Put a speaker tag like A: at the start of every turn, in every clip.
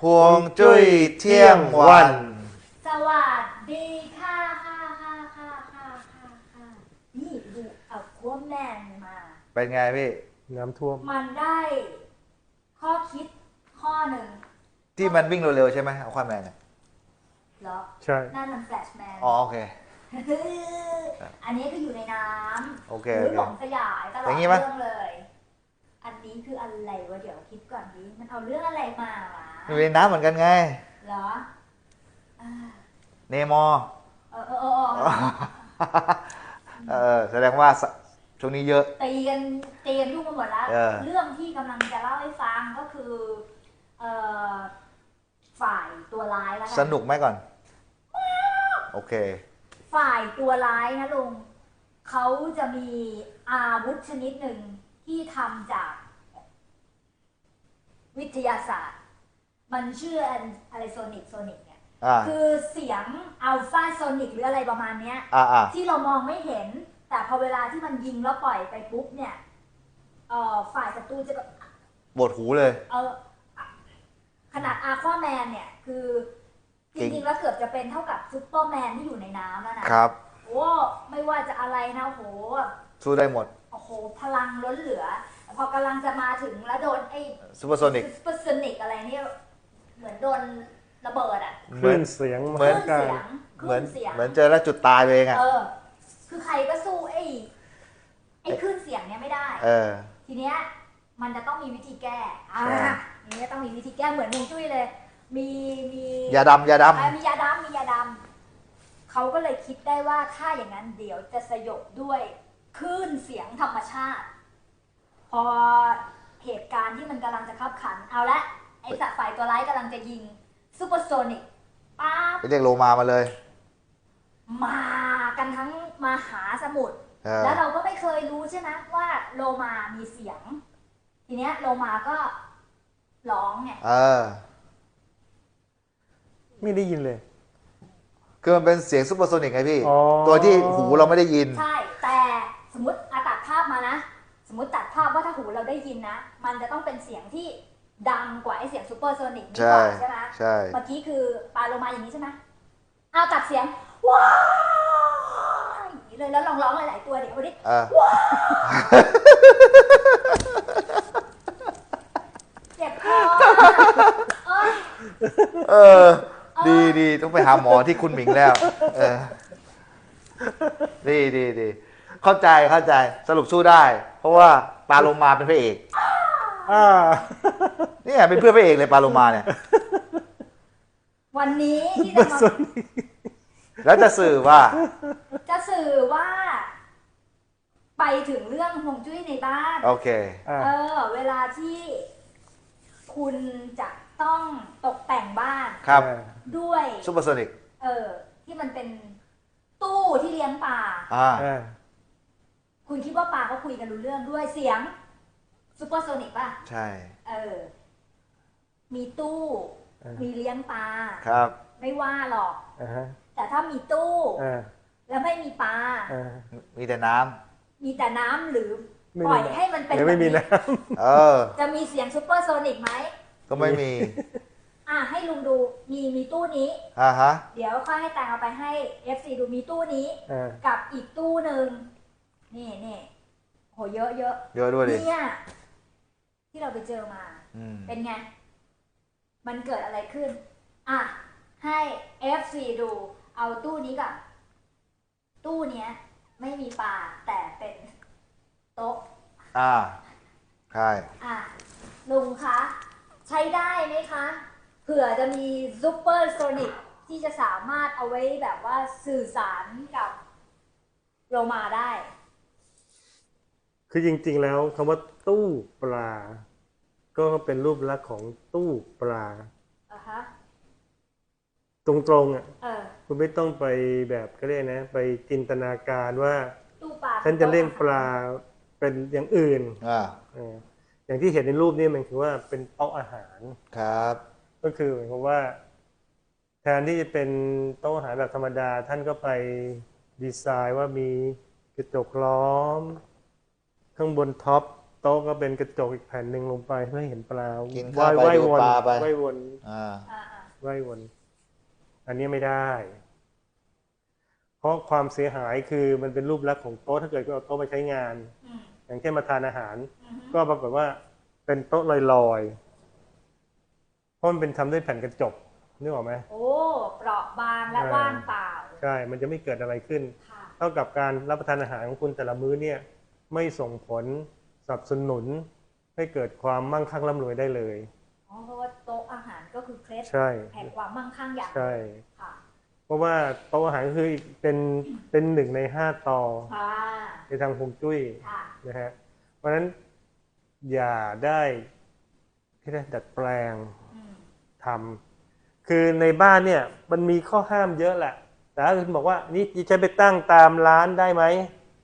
A: ฮวงจุ้ยเที่ยงวัน
B: สวัสดีค่ะนี่ดูเอาขั้วแมนมา
A: เป็นไงพี่
C: น้ำท่วม
B: มันได้ข้อคิดข้อหนึ่ง
A: ที่มันวิ่งเร็วๆใช่ไหมเอาความแมนเนี่ย
B: เหรอ
C: ใช่
B: นั่นมันแฟลชแมน
A: อ๋อโอเค
B: อันนี้คืออยู่ในน้
A: โอเค
B: ำห
A: โอ
B: รือ
A: เค
B: หลงสยายตลอ
A: อ
B: ด
A: ย่างงี้
B: เรื่
A: ปะ
B: องเลย อันนี้คืออะไรวะเดี๋ยวคิดก่อนดิมันเอาเรื่องอะไรมาหวะ
A: อยู่ในน้ำเหมือนกันไง
B: เหรออ่า
A: เนมอร์
B: เออ
A: แสดงว่าช่วงนี้เยอะ
B: ตีกันยุ่งไปหมดแล้ว เรื่องที่กำลังจะเล่าให้ฟังก็คือเอ่อฝ่ายตัวร้ายแล้วกั
A: สนุกไหมก่อน โอเค
B: ฝ่ายตัวร้ายนะลุงเขาจะมีอาวุธชนิดหนึ่งที่ทำจากวิทยาศาสตร์ มันชื่ออะไรโซนิกเนี่ย
A: อ่า
B: คือเสียงอัลฟาโซนิกหรืออะไรประมาณเนี้ย
A: อ่า
B: ที่เรามองไม่เห็น แต่พอเวลาที่มันยิงแล้วปล่อยไปปุ๊บเนี่ยฝ่ายศัตรูจะ
A: บทหูเลย
B: ขนาดอาควาแมนเนี่ยคือจริงๆแล้วเกือบจะเป็นเท่ากับซุปเปอร์แมนที่อยู่ในน้ำแล้วนะครับ โอ้ไม่ว่าจะอะไรนะโห
A: สู้ได้หมด
B: โอ้โหพลังล้นเหลือ พอกำลังจะมาถึงแล้วโดนไอ้
A: ซูเปอร์โซนิก
B: ซุปเปอร์โซนิกอะไรเนี่ยเหมือนโดนระเบิดอ่ะ
C: คลื่นเสียง
A: เหมือน
B: คลื่นเสียงค
A: เหมื
B: ลื่
A: อน
B: นเสียง
A: เหมือนเจอแล้วจุดตายไปเองอ่ะ
B: คือใครก็สู้ไอ้คลื่นเสียงเนี่ยไม่ได้ ทีเนี้ยมันจะต้องมีวิธีแก้นี่จะต้องมีวิธีแก้เหมือนฮวงจุ้ยเลย มี
A: ยาดำ
B: มียาดำเขาก็เลยคิดได้ว่าถ้าอย่างนั้นเดี๋ยวจะสยบด้วยคลื่นเสียงธรรมชาติ พอเหตุการณ์ที่มันกำลังจะขับขันเอาละไอ้สัตว์ฝ่ายตัวร้ายกำลังจะยิงซูเปอร์โซนิกป๊าบ
A: ไปเรียกโลมาเลย
B: มากันทั้งมหาสมุทร แล้วเราก็ไม่เคยรู้ใช่ไหมว่าโลมามีเสียง ทีเนี้ยโลมาก็ร้องไง
C: ไม่ได้ยินเลย
A: คือมันเป็นเสียงซูเปอร์โซนิกไงพี่
C: อ๋อ
A: ตัวที่หูเราไม่ได้ยิน
B: ใช่ แต่สมมติตัดภาพมานะ สมมติตัดภาพว่าถ้าหูเราได้ยินนะ มันจะต้องเป็นเสียงที่ดังกว่าไอเสียงซูเปอร์โซนิกดีกว่าใช่ไหม
A: ใช่
B: เมื่อกี้คือปลาโลมาอย่างนี้ใช่ไหมเอาตัดเสียงว้าวอย่างนี้เลยแล้วลองร้องหลายๆตัวเดี๋ยวดิว้าวเจ็บคอ
A: ดีต้องไปหาหมอที่คุณหมิงแล้ว ดีเข้าใจสรุปสู้ได้ เพราะว่าปลาโลมาเป็นพระเอก เนี่ยเป็นเพื่อนพระเอกเลยปลาโลมาเนี่ย
B: วันนี้ที่จะมา
A: แล้วจะสื่อว่า
B: ไปถึงเรื่องฮวงจุ้ยในบ้าน
A: โอเค
B: เวลาที่คุณจะต้องตกแต่งบ้าน
A: ครับ
B: ด้วย
A: ซูเปอร์โซนิก
B: ที่มันเป็นตู้ที่เลี้ยงปลา คุณคิดว่าปลาเขาคุยกันรู้เรื่องด้วยเสียงซูเปอร์โซนิกป่ะ
A: ใช่
B: มีตู้มีเลี้ยงปลา
A: ครับ
B: ไม่ว่าหรอก แต่ถ้ามีตู้แล้วไม่มีปลา
A: มีแต่น้
B: มีแต่น้ำหรือปล่อยให้มันเป็น
C: ไม่มี
B: แบบ
C: น้
B: จะมีเสียงซูเปอร์โซนิกไหม
A: ำก็ไม่มี
B: ให้ลุงดูมีตู้นี้
A: ฮะ
B: เดี๋ยวค่อยให้แตงเอาไปให้ FC ดูมีตู้นี้ กับอีกตู้หนึ่งนี่โหเยอะ
A: ด้วยดิ
B: เนี่ยที่เราไปเจอมา เป็นไง มันเกิดอะไรขึ้นให้ FC ดูเอาตู้นี้ก่อนตู้เนี้ยไม่มีปลาแต่เป็นโต๊ะ
A: ใช่
B: ลุงคะใช้ได้ไหมคะเผื่อจะมีซูเปอร์โซนิกที่จะสามารถเอาไว้แบบว่าสื่อสารกับโลมาได้
C: คือจริงๆแล้วคำว่าตู้ปลา ก็เป็นรูปลักษณ์ของตู้ปลา ตรงๆคุณไม่ต้องไปแบบก็เรียกนะไปจินตนาการว่า
B: ตู้ปลา
C: ฉันจะเลี้ยงปลาเป็นอย่างอื่นอย่างที่เห็นในรูปนี้มันคือว่าเป็นโต๊ะอาหาร
A: ครับ
C: ก็คือหมายความว่าแทนที่จะเป็นโต๊ะอาหารแบบธรรมดาท่านก็ไปดีไซน์ว่ามีกระจกล้อมข้างบนท็อปโต๊ะก็เป็นกระจกอีกแผ่นหนึ่งลงไปเพื่อให้เห็นปลา
A: กินข้าวไป
C: ว่าย
A: ดู
C: วน
A: ปลาไป
C: ว่ายวน
A: อ่า
B: อ่า
C: ว่ายวน อันนี้ไม่ได้ เพราะความเสียหายคือมันเป็นรูปลักษณ์ของโต๊ะถ้าเกิดเอาโต๊ะมาใช้งาน
B: อืม
C: อย่างเช่นมาทานอาหาร
B: อืม
C: ก็ปรากฏว่าเป็นโต๊ะลอยๆเพราะมันเป็นทำด้วยแผ่นกระจกนึกออกไหม
B: โอ้เปราะบางและว่างเปล่า
C: ใช่ มันจะไม่เกิดอะไรขึ้น
B: ค่ะ
C: เท่ากับการรับประทานอาหารของคุณแต่ละมื้อเนี่ยไม่ส่งผลสนับสนุนให้เกิดความมั่งคั่งร่ำรวยได้เลย
B: อ๋อเพราะว่าโต๊ะอาหารก็คือเคล็ด
C: ใช่
B: แห่งความมั่งคั่งอย่างหนึ่ง
C: ใช่
B: ค่ะ
C: เพราะว่าโต๊ะอาหารก็คือเป็นหนึ่งใน5 ต่อ
B: ค่ะ
C: ในทางฮวงจุ้ย
B: ค่ะ
C: นะฮะเพราะฉะนั้นอย่าได้ที่ได้ดัดแปลง
B: อืม
C: ทำคือในบ้านเนี่ยมันมีข้อห้ามเยอะแหละ แต่ถ้าคุณบอกว่านี่จะไปตั้งตามร้านได้ไหม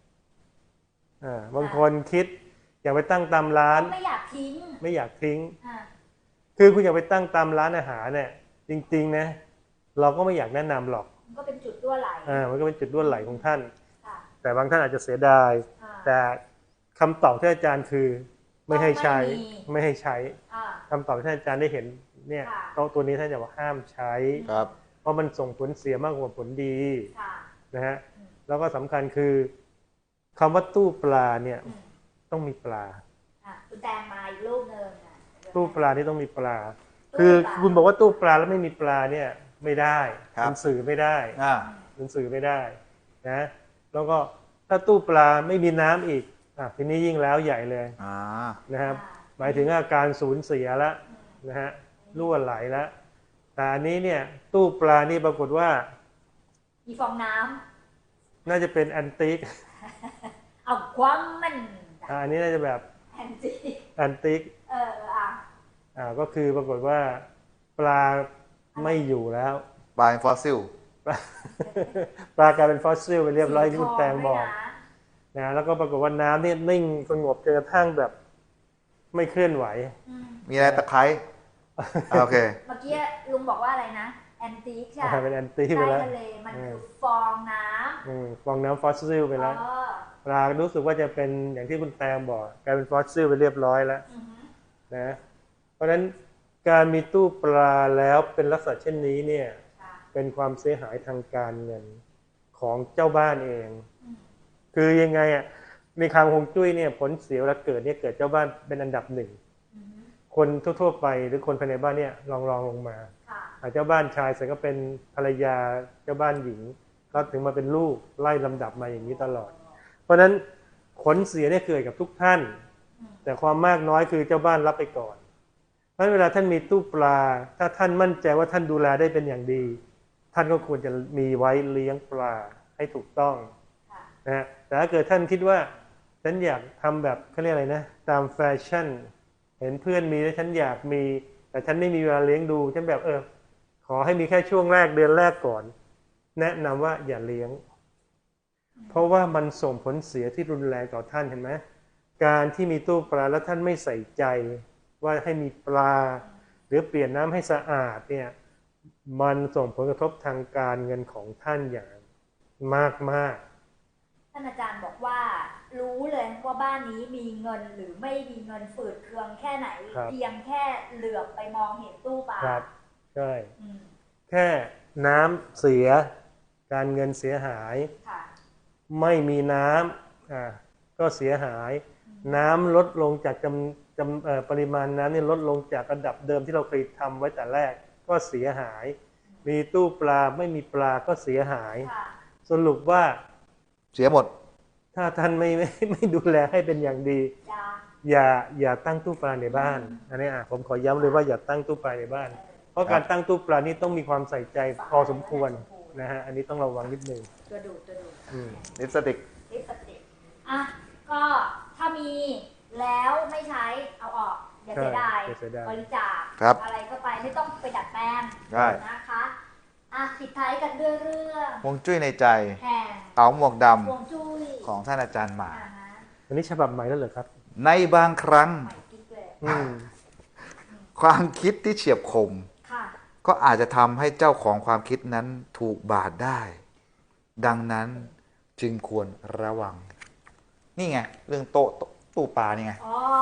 C: บางคนคิดอยากไปตั้งตามร้าน
B: ไม่อยากทิ้ง
C: ไม่อยากทิ้ง
B: อ่า
C: คือคุณอยากไปตั้งตามร้านอาหารเนี่ยจริงๆนะเราก็ไม่อยากแนะนำหรอก
B: มันก็เป็นจุดรั่วไหล
C: มันก็เป็นจุดด้วนไหลของท่าน
B: ค่ะ
C: แต่บางท่านอาจจะเสียดาย
B: อ่า
C: แต่คำตอบที่อาจารย์คือไม่ให้ใช้ ไม่ให้ใช้
B: อ่า
C: คำตอบที่อาจารย์ได้เห็นเนี่ย
B: ค่ะ
C: โต๊ะตัวนี้ท่านจะว่าห้ามใช้
A: ครับ
C: เพราะมันส่งผลเสียมากกว่าผลดี
B: ค่ะ
C: นะฮะ
B: อืม
C: แล้วก็สำคัญคือคำว่าตู้ปลาเนี่ย
B: อืม
C: ต้องมีปลา
B: อ่ะคุณแตงมาอีกรูปหนึ่งอ่ะ
C: ตู้ปลานี่ต้องมีปลา
B: ตู้
C: คือ
B: ปลา
C: คุณบอกว่าตู้ปลาแล้วไม่มีปลาเนี่ยไม่ได้
A: ครับ
C: มันสื่อไม่ได้
A: อ่า
C: มันสื่อไม่ได้นะแล้วก็ถ้าตู้ปลาไม่มีน้ำอีกทีนี้ยิ่งแล้วใหญ่เลย
A: อ่า
C: นะครับ
B: อ่า
C: หมายถึงอาการสูญเสียแล้ว
B: อืม
C: นะฮะรั่วไหลแล้ว แต่อันนี้เนี่ยตู้ปลานี่ปรากฏว่า
B: มีฟองน้
C: น่าจะเป็นแอนติก
B: ำเอาความมัน
C: อันนี้น่าจะแบบ
B: แอนจี
C: แอนติก
B: อ่ะ
C: ก็คือปรากฏว่าปลาไม่อยู่แล้ว
A: ปลาฟอสซิล
C: ปลากลายเป็นฟอสซิลไปเรียบร้อยที่คุณแตงบอก
B: สีทด้วยนะ
C: นะแล้วก็ปรากฏว่าน้ำนี่นิ่งสงบจนกระทั่งแบบไม่เคลื่อนไหว
B: อืม
A: มีอะไรตะไคร้โอเค
B: เมื่อกี้ลุงบอกว่าอะไรนะแอนติกใช่ไหม
C: เป็นแอนติกไป
B: ใต้
C: แล้ว
B: ทะเลมันคือฟองน้ำ
C: ฟองน้ำฟอสซิลไปแล้ว
B: เออ
C: ปลารู้สึกว่าจะเป็นอย่างที่คุณแตงบอกกลายเป็นฟอสซิลไปเรียบร้อยแล้ว
B: อือหือ
C: นะเพราะฉะนั้นการมีตู้ปลาแล้วเป็นลักษณะเช่นนี้เนี่ย
B: ค่ะ
C: เป็นความเสียหายทางการเงินของเจ้าบ้านเอง
B: อืม
C: คือยังไงอ่ะในทางฮวงจุ้ยเนี่ยผลเสียเวลาเกิดเนี่ยเกิดเจ้าบ้านเป็นอันดับหนึ่ง
B: อือหือ
C: คนทั่วๆไปหรือคนภายในบ้านเนี่ยรองลงมา
B: ค่ะ
C: เจ้าบ้านชายเสร็จก็เป็นภรรยาเจ้าบ้านหญิงก็ถึงมาเป็นลูกไล่ลำดับมาอย่างนี้ตลอด เพราะฉะนั้นผลเสียเนี่ยเกิดกับทุกท่าน
B: อืม
C: แต่ความมากน้อยคือเจ้าบ้านรับไปก่อนเพราะฉะนั้นเวลาท่านมีตู้ปลา ถ้าท่านมั่นใจว่าท่านดูแลได้เป็นอย่างดี ท่านก็ควรจะมีไว้เลี้ยงปลาให้ถูกต้อง
B: ค่ะ
C: นะฮะแต่ถ้าเกิดท่านคิดว่าฉันอยากทำแบบเขาเรียกอะไรนะตามแฟชั่น เห็นเพื่อนมีแล้วฉันอยากมี แต่ฉันไม่มีเวลาเลี้ยงดูฉันแบบขอให้มีแค่ช่วงแรกเดือนแรกก่อน แนะนำว่าอย่าเลี้ยง เพราะว่ามันส่งผลเสียที่รุนแรงต่อท่านเห็นไหมการที่มีตู้ปลาแล้วท่านไม่ใส่ใจว่าให้มีปลา หรือเปลี่ยนน้ำให้สะอาดเนี่ยมันส่งผลกระทบทางการเงินของท่านอย่างมาก
B: ท่านอาจารย์บอกว่า รู้เลยว่าบ้านนี้มีเงินหรือไม่มีเงินฝืดเคืองแค่ไหน เพียงแค่เหลือบไปมองเห็นตู้ปลา
C: ๆครับใช่
B: อืม
C: แค่น้ำเสียการเงินเสียหาย
B: ค่ะ
C: ไม่มีน้ำก็เสียหาย น้ำลดลงจากปริมาณน้ำนี่ลดลงจากระดับเดิมที่เราเคยทำไว้แต่แรกก็เสียหาย มีตู้ปลาไม่มีปลาก็เสียหาย
B: ค่ะ
C: สรุปว่า
A: เสียหมด
C: ถ้าท่านไม่ดูแลให้เป็นอย่างดี
B: จ้า
C: อย่าตั้งตู้ปลาในบ้านอันนี้ผมขอย้ำเลยว่าอย่าตั้งตู้ปลาในบ้าน เพราะการตั้งตู้ปลานี่ต้องมีความใส่ใจพอสมควรนะฮะอันนี้ต้องระวังนิดนึง
B: ตัวดูด
C: อืม
A: ลิปสติก
B: ลิปสติกอ่ะก็ถ้ามีแล้วไม่ใช้เอาออกอย่าเสียดาย
C: อย่าเสียดาย
B: บริจาค
A: ครับ
B: อะไรก็ไปไม่ต้องไปดัดแปลง
A: ได้
B: นะคะอ่ะปิดท้ายกันด้วยเรื่อง
A: ฮวงจุ้ยในใจ
B: แห่ง
A: เต๋าหมวกด
B: ฮวงจุ้ย
A: ำของท่านอาจารย์หมา
B: อ่าฮะ
C: อันนี้ฉบับใหม่แล้วเหรอครับ
A: ในบางครั้ง
B: ใหม่กิ๊กเลย
C: อืม
A: ความคิดที่เฉียบคม
B: ค่ะ
A: ก็อาจจะทำให้เจ้าของความคิดนั้นถูกบาดได้ ดังนั้นจึงควรระวัง นี่ไง เรื่องตู้ปลานี่ไง
B: อ๋อ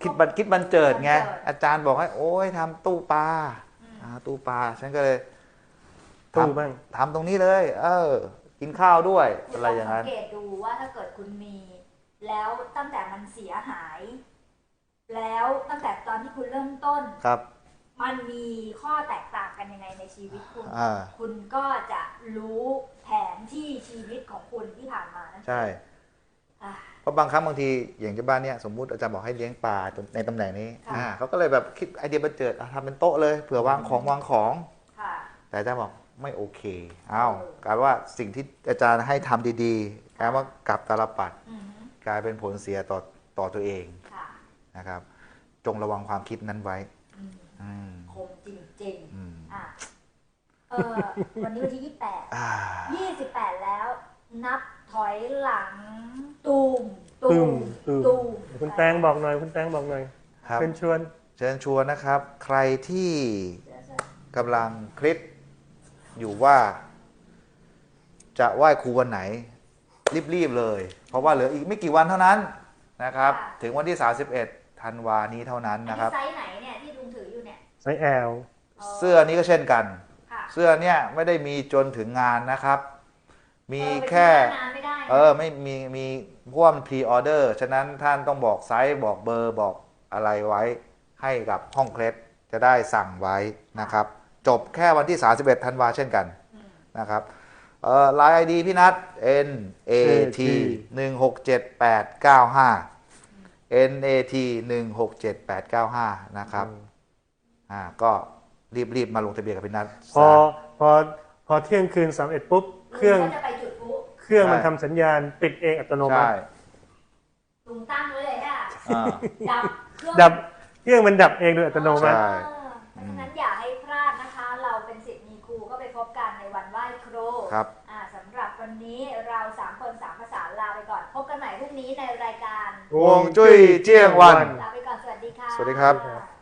A: คิดบันเจิดไง
B: บันเจิด
A: อาจารย์บอกให้โอ้ยทำตู้ปลา
B: อืม
A: ตู้ปลาฉันก็เลย
C: ตู้บ้าง
A: ทำตรงนี้เลย กินข้าวด้วย
B: คุณ
A: อะไรอย่าง
B: สั
A: นั้น
B: งเกตดูว่าถ้าเกิดคุณมี แล้วตั้งแต่มันเสียหาย แล้วตั้งแต่ตอนที่คุณเริ่มต้น
A: ครับ
B: มันมีข้อแตกต่างกันยังไงในชีวิตคุณ
A: อ่า
B: คุณก็จะรู้แผนที่ชีวิตของคุณที่ผ่านมานั่น
A: ใช่
B: อ่ะ
A: เพราะบางครั้งบางทีอย่างที่บ้านเนี่ยสมมุติอาจารย์บอกให้เลี้ยงปลาในตำแหน่งนี้
B: ค่ะ
A: เขาก็เลยแบบคิดไอเดียบันเจิดทำเป็นโต๊ะเลยเผื่อวางของ
B: ค่ะ
A: แต่อาจารย์บอกไม่โอเคกลายว่าสิ่งที่อาจารย์ให้ทำดีๆกลายว่ากลับตาลปัด
B: อืม
A: กลายเป็นผลเสียต่อตัวเอง
B: ค่ะ
A: นะครับ จงระวังความคิดนั้นไว้
B: อืม
A: อืม
B: คมจริง
A: อืม
B: ๆอ่ะวันนี้วันที่
A: อ่า
B: 28 แล้ว นับถอยหลัง ตูม
C: ตูม
B: ตูม
C: คุณแตงบอกหน่อยคุณแตงบอกหน่อย
A: ครับ
C: เป็นชวน
A: เชิญชวนนะครับ ใครที่กำลังคิดอยู่ว่าจะไหว้ครูวันไหน รีบๆเลย เพราะว่าเหลืออีกไม่กี่วันเท่านั้นนะครับ ถึงวันที่ 31 ธันวานี้เท่านั้น
B: อัน
A: นะค
B: นี้
A: รับ
B: ไซส์ไหนเนี่ยที่ลุงถืออยู่เนี่ย
C: ไซส์แอล
A: เสื้อนี้ก็เช่นกัน
B: ค่ะ
A: เสื้อเนี่ยไม่ได้มีจนถึงงานนะครับ มีแค่
B: ไปซื้อหน้างานไม่ได้นะ
A: ไม่มีเพราะวกมันพรีออเดอร์ฉะนั้นท่านต้องบอกไซส์บอกเบอร์บอกอะไรไว้ให้กับห้องเคล็ดจะได้สั่งไว้นะครับ จบแค่วันที่ 31 ธันวาเช่นกัน
B: อืม
A: นะครับไลน์ ID พี่นัท NAT 167895 NAT 167895นะครับก็รีบมาลงทะเบียนกับพี่นัท
C: พอเที่ยงคืน31ปุ๊บเครื่อง
B: ลุก็จะไปจุดพลุ
C: เครื่องมันทำสัญญาณปิดเองอัตโนมั
A: ใช่
C: ติ
B: ลุงตั้งไว้เลยค่ะ
A: อ่า
B: ดับเครื่อง
C: ดับเครื่องมันดับเองโดยอัตโนมัติ
A: ใช่
B: เพราะฉะนั้นอย่าให้พลาดนะคะ เราเป็นศิษย์มีครูก็ไปพบกันในวันไหว้ครู
A: ครับ
B: สำหรับวันนี้เรา3 คน3 ภาษาลาไปก่อน พบกันใหม่พรุ่งนี้ในรายการ
A: ฮวงจุ้ยเจียงวัน
B: ลาไปก่อน สวัสดีค่ะ
A: สวัสดีครับ
B: ค่ะ